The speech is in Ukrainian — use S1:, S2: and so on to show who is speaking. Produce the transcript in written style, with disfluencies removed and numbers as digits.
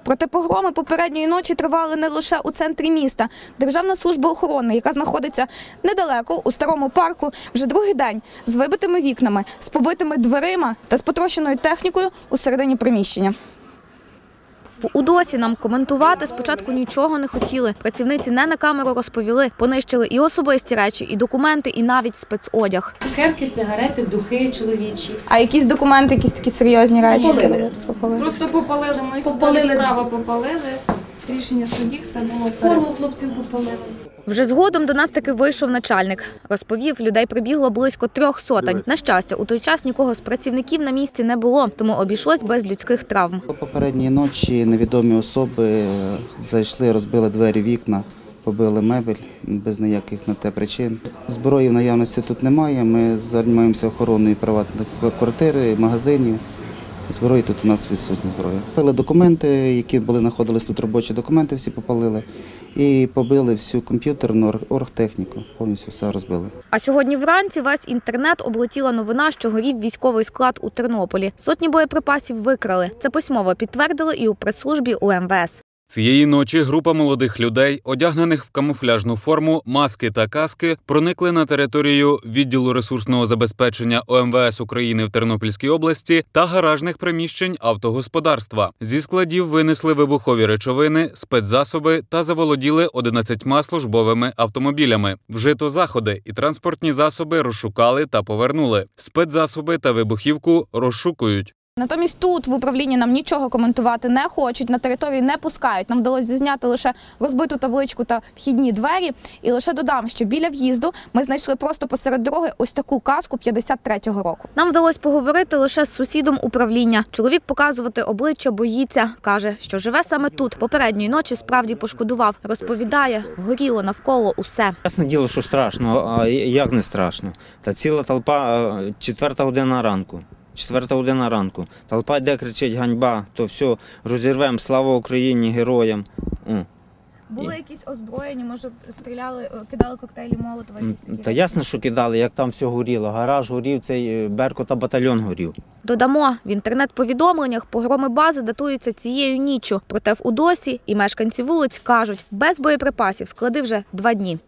S1: Проте погроми попередньої ночі тривали не лише у центрі міста. Державна служба охорони, яка знаходиться недалеко, у старому парку, вже другий день з вибитими вікнами, з побитими дверима та з потрощеною технікою у середині приміщення. В УДОСі нам коментувати спочатку нічого не хотіли. Працівниці не на камеру розповіли. Понищили і особисті речі, і документи, і навіть спецодяг.
S2: Цукерки, сигарети, духи чоловічі.
S1: А якісь документи, якісь такі серйозні речі?
S2: Попалили.
S3: Просто попалили, ми сюди справа попалили, рішення судів, все було.
S2: Форму хлопців попалили.
S1: Вже згодом до нас таки вийшов начальник. Розповів, людей прибігло близько 300. На щастя, у той час нікого з працівників на місці не було, тому обійшлось без людських травм.
S4: Попередньої ночі невідомі особи зайшли, розбили двері, вікна, побили мебель без ніяких на те причин. Зброї в наявності тут немає, ми займаємося охороною приватних квартир, магазинів. Зброї тут у нас відсутня зброя. Попалили документи, які знаходились тут, робочі документи всі попалили. І побили всю комп'ютерну оргтехніку, повністю все розбили.
S1: А сьогодні вранці весь інтернет облетіла новина, що горів військовий склад у Тернополі. Сотні боєприпасів викрали. Це письмово підтвердили і у прес-службі УМВС.
S5: Цієї ночі група молодих людей, одягнених в камуфляжну форму, маски та каски, проникли на територію відділу ресурсного забезпечення ОМВС України в Тернопільській області та гаражних приміщень автогосподарства. Зі складів винесли вибухові речовини, спецзасоби та заволоділи 11 службовими автомобілями. Вжито заходи і транспортні засоби розшукали та повернули. Спецзасоби та вибухівку розшукують.
S1: Натомість тут в управлінні нам нічого коментувати не хочуть, на територію не пускають. Нам вдалося зізняти лише розбиту табличку та вхідні двері. І лише додам, що біля в'їзду ми знайшли просто посеред дороги ось таку каску 53-го року. Нам вдалося поговорити лише з сусідом управління. Чоловік показувати обличчя боїться. Каже, що живе саме тут. Попередньої ночі справді пошкодував. Розповідає, горіло навколо усе.
S6: Ясне діло, що страшно, а як не страшно? Та ціла толпа, 4-та година ранку. 4-та година ранку. Толпа йде, кричить ганьба, то все, розірвемо, слава Україні, героям.
S1: Були якісь озброєні, може стріляли, кидали коктейлі Молотова?
S6: Та ясно, що кидали, як там все горіло. Гараж горів, цей Беркут та батальйон горів.
S1: Додамо, в інтернет-повідомленнях погроми бази датуються цією ніччю. Проте в УДОСі і мешканці вулиць кажуть, без боєприпасів склади вже 2 дні.